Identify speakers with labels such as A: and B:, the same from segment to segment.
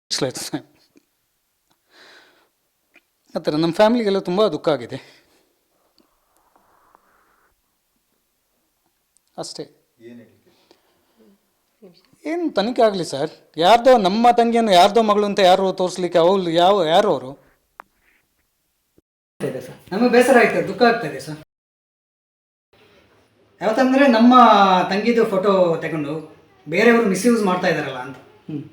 A: Slides ಆ ಥರ ನಮ್ಮ ಫ್ಯಾಮಿಲಿಗೆಲ್ಲ ತುಂಬ ದುಃಖ ಆಗಿದೆ ಅಷ್ಟೇ. ಏನು ತನಿಖೆ ಆಗಲಿ ಸರ್. ಯಾರ್ದೋ ನಮ್ಮ ತಂಗಿಯನ್ನು ಯಾರ್ದೋ ಮಗಳು ಅಂತ ಯಾರು ತೋರಿಸ್ಲಿಕ್ಕೆ ಅವಳು ಯಾರು ಅವರು?
B: ಸರ್ ನಮಗೆ ಬೇಸರ ಆಯ್ತು, ದುಃಖ ಆಗ್ತಾ ಇದೆ ಸರ್. ಯಾವತ್ತಂದರೆ ನಮ್ಮ ತಂಗಿದು ಫೋಟೋ ತಗೊಂಡು ಬೇರೆಯವರು ಮಿಸ್ಯೂಸ್ ಮಾಡ್ತಾ ಇದ್ದಾರಲ್ಲ ಅಂತ.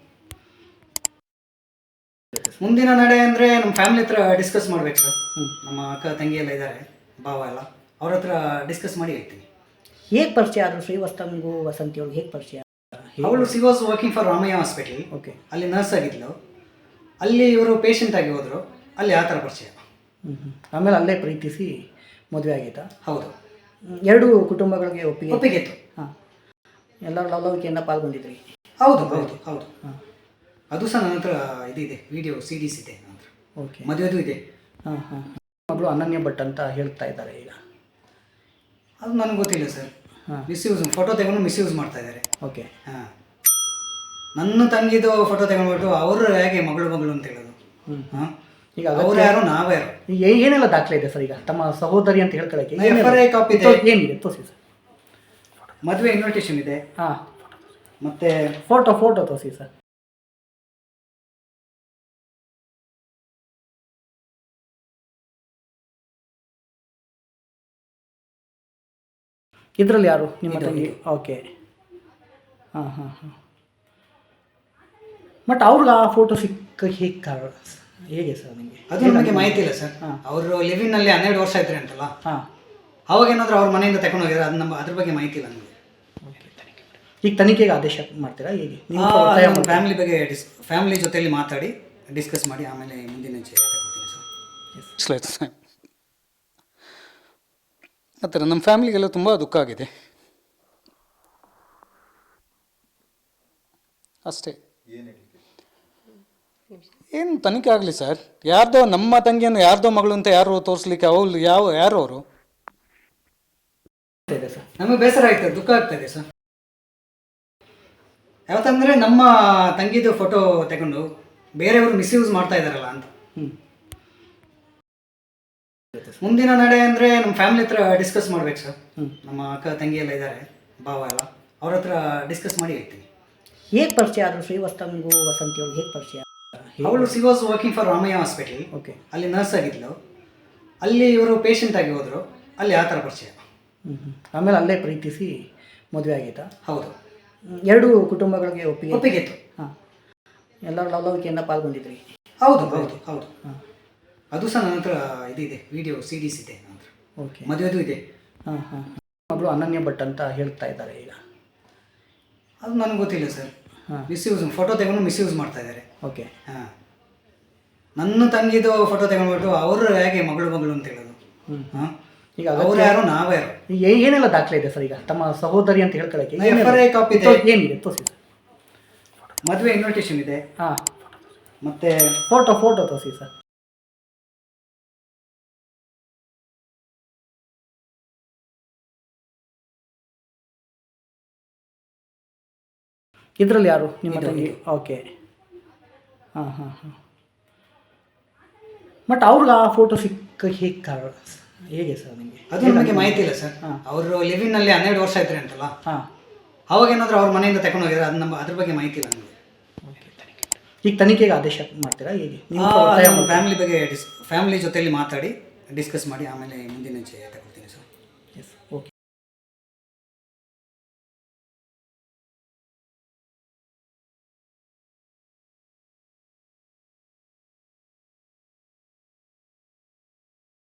B: ಮುಂದಿನ ನಡೆ ಅಂದರೆ ನಮ್ಮ ಫ್ಯಾಮಿಲಿ ಹತ್ರ ಡಿಸ್ಕಸ್ ಮಾಡ್ಬೇಕು ಸರ್. ನಮ್ಮ ಅಕ್ಕ ತಂಗಿ ಎಲ್ಲ ಇದ್ದಾರೆ, ಭಾವ ಎಲ್ಲ, ಅವ್ರ ಹತ್ರ ಡಿಸ್ಕಸ್ ಮಾಡಿ ಹೇಳ್ತೀನಿ.
C: ಹೇಗೆ ಪರಿಚಯ ಆದರು ಶ್ರೀವಸ್ತಂಗೂ ವಸಂತಿ ಅವ್ರಿಗೆ ಹೇಗೆ ಪರಿಚಯ?
B: ಅವಳು she was working for Ramaiah hospital.
C: Okay.
B: ಅಲ್ಲಿ ನರ್ಸ್ ಆಗಿದ್ಲು. ಅಲ್ಲಿ ಇವರು ಪೇಷಂಟ್ ಆಗಿ ಹೋದರು. ಅಲ್ಲಿ ಆ ಥರ ಪರಿಚಯ.
C: ಆಮೇಲೆ ಅಲ್ಲೇ ಪ್ರೀತಿಸಿ ಮದುವೆ ಆಗಿತ್ತಾ?
B: ಹೌದು.
C: ಎರಡು ಕುಟುಂಬಗಳಿಗೆ
B: ಒಪ್ಪಿಗೆ ಇತ್ತು.
C: ಹಾಂ. ಎಲ್ಲರೂ ಲವಲವಿಕೆಯಿಂದ ಪಾಲ್ಗೊಂಡಿದ್ರಿ?
B: ಹೌದು ಹೌದು ಹೌದು. ಅದು ಸಹ ನನ್ನ ಹತ್ರ ಇದಿದೆ, ವಿಡಿಯೋ CDs ಇದೆ ನನ್ನ ಹತ್ರ.
C: ಓಕೆ.
B: ಮದುವೆದು ಇದೆ.
C: ಹಾಂ ಹಾಂ. ಮಗಳು ಅನನ್ಯ ಭಟ್ ಅಂತ ಹೇಳ್ತಾ ಇದ್ದಾರೆ ಈಗ.
B: ಅದು ನನಗೆ ಗೊತ್ತಿಲ್ಲ ಸರ್.
C: ಹಾಂ.
B: ಮಿಸ್ಯೂಸ್ ಫೋಟೋ ತಗೊಂಡು ಮಿಸ್ಯೂಸ್ ಮಾಡ್ತಾ ಇದ್ದಾರೆ.
C: ಓಕೆ.
B: ಹಾಂ. ನನ್ನ ತಂಗಿದು ಫೋಟೋ ತಗೊಂಡ್ಬಿಟ್ಟು ಅವರು ಹೇಗೆ ಮಗಳು ಅಂತ ಹೇಳೋದು? ಹಾಂ. ಈಗ ಅವ್ರು ಯಾರು, ನಾವು ಯಾರು?
C: ಏನೆಲ್ಲ ದಾಖಲೆ ಇದೆ ಸರ್ ಈಗ ತಮ್ಮ ಸಹೋದರಿ ಅಂತ ಹೇಳ್ಕೊಳ್ಳೋಕ್ಕೆ?
B: FRA ಕಾಪಿ ಇದೆ.
C: ಏನಿದೆ ತೋರಿಸಿ ಸರ್.
B: ಮದುವೆ ಇನ್ವಿಟೇಷನ್ ಇದೆ.
C: ಹಾಂ.
B: ಮತ್ತೆ
C: ಫೋಟೋ ತೋರಿಸಿ ಸರ್. ಇದರಲ್ಲಿ ಯಾರು ನಿಮ್ಮ ತಂಗಿ? ಓಕೆ. ಹಾಂ ಹಾಂ ಹಾಂ. ಬಟ್ ಅವ್ರಿಗೆ ಆ ಫೋಟೋ ಹೇಗೆ ಕಾರಣ ಹೇಗೆ ಸರ್ ನಿಮಗೆ?
B: ಅದು ನಮಗೆ ಮಾಹಿತಿ ಇಲ್ಲ ಸರ್. ಅವರು ಲಿವಿನಲ್ಲಿ 12 ವರ್ಷ ಇದ್ರೆ ಅಂತಲ್ಲ.
C: ಹಾಂ.
B: ಅವಾಗ ಏನಾದರೂ ಅವ್ರ ಮನೆಯಿಂದ ತಗೊಂಡು ಹೋಗಿದ್ರೆ ಅದು ಅದ್ರ ಬಗ್ಗೆ ಮಾಹಿತಿ ಇಲ್ಲ ನಮಗೆ.
C: ಓಕೆ. ಈಗ ತನಿಖೆಗೆ ಆದೇಶ ಮಾಡ್ತೀರಾ ಹೇಗೆ?
B: ಫ್ಯಾಮಿಲಿ ಜೊತೆಯಲ್ಲಿ ಮಾತಾಡಿ ಡಿಸ್ಕಸ್ ಮಾಡಿ ಆಮೇಲೆ ಮುಂದಿನ ಹೆಜ್ಜೆ ತಗೊಳ್ತೀನಿ ಸರ್.
A: ಸ್ಲೈಡ್ಸ್ ಆ ಥರ ನಮ್ಮ ಫ್ಯಾಮಿಲಿಗೆಲ್ಲ ತುಂಬ ದುಃಖ ಆಗಿದೆ ಅಷ್ಟೇ. ಏನು ತನಿಖೆ ಆಗಲಿ ಸರ್. ಯಾರ್ದೋ ನಮ್ಮ ತಂಗಿಯನ್ನು ಯಾರ್ದೋ ಮಗಳು ಅಂತ ಯಾರು ತೋರಿಸ್ಲಿಕ್ಕೆ ಅವಳು ಯಾರು ಅವರು?
B: ಸರ್ ನಮಗೆ ಬೇಸರ ಆಯ್ತು, ದುಃಖ ಆಗ್ತಾ ಇದೆ ಸರ್. ಯಾವತ್ತಂದರೆ ನಮ್ಮ ತಂಗಿದು ಫೋಟೋ ತಗೊಂಡು ಬೇರೆಯವರು ಮಿಸ್ಯೂಸ್ ಮಾಡ್ತಾ ಇದ್ದಾರಲ್ಲ ಅಂತ. ಮುಂದಿನ ನಡೆ ಅಂದರೆ ನಮ್ಮ ಫ್ಯಾಮಿಲಿ ಹತ್ರ ಡಿಸ್ಕಸ್ ಮಾಡ್ಬೇಕು ಸರ್. ನಮ್ಮ ಅಕ್ಕ ತಂಗಿ ಎಲ್ಲ ಇದ್ದಾರೆ, ಭಾವ ಎಲ್ಲ, ಅವ್ರ ಹತ್ರ ಡಿಸ್ಕಸ್ ಮಾಡಿ ಹೇಳ್ತೀನಿ.
C: ಹೇಗೆ ಪರಿಚಯ ಆದರು ಶ್ರೀವಸ್ತಂಗೂ ವಸಂತಿ ಅವ್ರಿಗೆ ಹೇಗೆ ಪರಿಚಯ?
B: ಅವಳು she was working for Ramaiah hospital.
C: Okay.
B: ಅಲ್ಲಿ ನರ್ಸ್ ಆಗಿದ್ಲು. ಅಲ್ಲಿ ಇವರು ಪೇಷಂಟ್ ಆಗಿ ಹೋದರು. ಅಲ್ಲಿ ಆ ಥರ ಪರಿಚಯ.
C: ಆಮೇಲೆ ಅಲ್ಲೇ ಪ್ರೀತಿಸಿ ಮದುವೆ ಆಗಿತ್ತಾ?
B: ಹೌದು.
C: ಎರಡು ಕುಟುಂಬಗಳಿಗೆ ಒಪ್ಪಿಗೆ
B: ಇತ್ತು.
C: ಹಾಂ. ಎಲ್ಲರೂ ಲವಲವಿಕೆಯಿಂದ ಪಾಲ್ಗೊಂಡಿದ್ರಿ?
B: ಹೌದು ಹೌದು ಹೌದು. ಅದು ಸಹ ನನ್ನ ಹತ್ರ ಇದಿದೆ, ವಿಡಿಯೋ CDs ಇದೆ ನನ್ನ ಹತ್ರ.
C: ಓಕೆ.
B: ಮದುವೆದು ಇದೆ.
C: ಹಾಂ ಹಾಂ. ಮಗಳು ಅನನ್ಯ ಭಟ್ ಅಂತ ಹೇಳ್ತಾ ಇದ್ದಾರೆ ಈಗ.
B: ಅದು ನನಗೆ ಗೊತ್ತಿಲ್ಲ ಸರ್.
C: ಹಾಂ.
B: ಮಿಸ್ಯೂಸ್ ಫೋಟೋ ತಗೊಂಡು ಮಿಸ್ಯೂಸ್ ಮಾಡ್ತಾ ಇದ್ದಾರೆ.
C: ಓಕೆ.
B: ಹಾಂ. ನನ್ನ ತಂಗಿದು ಫೋಟೋ ತಗೊಂಡ್ಬಿಟ್ಟು ಅವರು ಹೇಗೆ ಮಗಳು ಅಂತ ಹೇಳೋದು? ಹಾಂ. ಈಗ ಅವ್ರು ಯಾರು, ನಾವು ಯಾರು?
C: ಏನೆಲ್ಲ ದಾಖಲೆ ಇದೆ ಸರ್ ಈಗ ತಮ್ಮ ಸಹೋದರಿ ಅಂತ ಹೇಳ್ಕೊಳ್ಳೋಕ್ಕೆ?
B: FRA ಕಾಪಿ ಇದೆ.
C: ಏನಿದೆ ತೋರಿಸಿ ಸರ್.
B: ಮದುವೆ ಇನ್ವಿಟೇಷನ್ ಇದೆ.
C: ಹಾಂ.
B: ಮತ್ತೆ
C: ಫೋಟೋ ತೋರಿಸಿ ಸರ್. ಇದರಲ್ಲಿ ಯಾರು ನಿಮ್ಮ ತಂಗಿ? ಓಕೆ. ಹಾಂ ಹಾಂ ಹಾಂ. ಬಟ್ ಅವ್ರಿಗೆ ಆ ಫೋಟೋ ಹೇಗೆ ಕಾರಣ ಹೇಗೆ ಸರ್ ನಿಮಗೆ?
B: ಅದು ನಮಗೆ ಮಾಹಿತಿ ಇಲ್ಲ ಸರ್. ಅವರು ಲಿವಿನಲ್ಲಿ 12 ವರ್ಷ ಇದ್ರೆ ಅಂತಲ್ಲ.
C: ಹಾಂ.
B: ಅವಾಗ ಏನಾದರೂ ಅವ್ರ ಮನೆಯಿಂದ ತಗೊಂಡು ಹೋಗಿದ್ರೆ ಅದು ಅದ್ರ ಬಗ್ಗೆ ಮಾಹಿತಿ ಇಲ್ಲ ನಮಗೆ.
C: ಓಕೆ. ಈಗ ತನಿಖೆಗೆ ಆದೇಶ ಮಾಡ್ತೀರಾ ಹೇಗೆ?
B: ಫ್ಯಾಮಿಲಿ ಜೊತೆಯಲ್ಲಿ ಮಾತಾಡಿ ಡಿಸ್ಕಸ್ ಮಾಡಿ ಆಮೇಲೆ ಮುಂದಿನ ಹೆಜ್ಜೆ ತಗೊಳ್ತೀನಿ ಸರ್.
C: ಎಸ್. ಓಕೆ.